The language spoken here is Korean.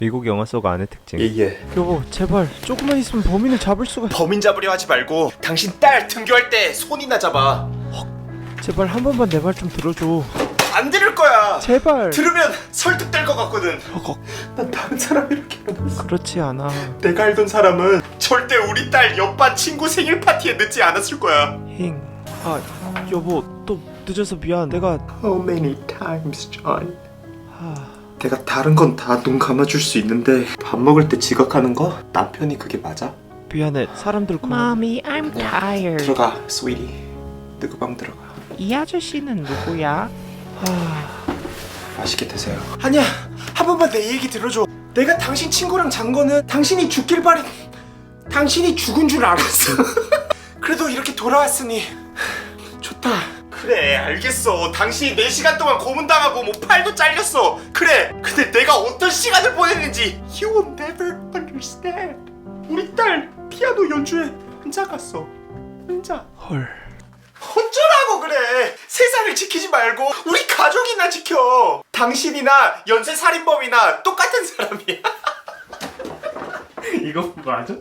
미국 영화 속 아내 특징. 예예. 여보 제발 조금만 있으면 범인을 잡을 수가. 범인 잡으려 하지 말고 당신 딸 등교할 때 손이나 잡아. 제발 한 번만 내 말 좀 들어줘. 안 들을 거야. 제발. 들으면 설득될 것 같거든. 어, 난 다른 사람이랑 결혼했어. 그렇지 않아. 내가 알던 사람은 절대 우리 딸 옆반 친구 생일 파티에 늦지 않았을 거야. 힝. 아 여보 또 늦어서 미안. 내가 How many times, John? 하... 내가 다른 건 다 눈 감아줄 수 있는데 밥 먹을 때 지각하는 거? 남편이 그게 맞아? 미안해. 사람들 Mommy, I'm tired. 들어가, 스위티. 너그 방 들어가. 이 아저씨는 누구야? 맛있게 드세요. 아니야, 한 번만 내 얘기 들어줘. 내가 당신 친구랑 잔 거는 당신이 죽길 바래. 당신이 죽은 줄 알았어. 그래도 이렇게 돌아왔으니 좋다. 그래, 알겠어. 당신이 4시간 동안 고문당하고 뭐 팔도 잘렸어. 그래, 근데 내가 어떤 시간을 보냈는지 You will never understand. 우리 딸 피아노 연주회 혼자 갔어. 혼자. 헐. 어쩌라고 그래. 세상을 지키지 말고 우리 가족이나 지켜. 당신이나 연쇄살인범이나 똑같은 사람이야. 이거 맞아?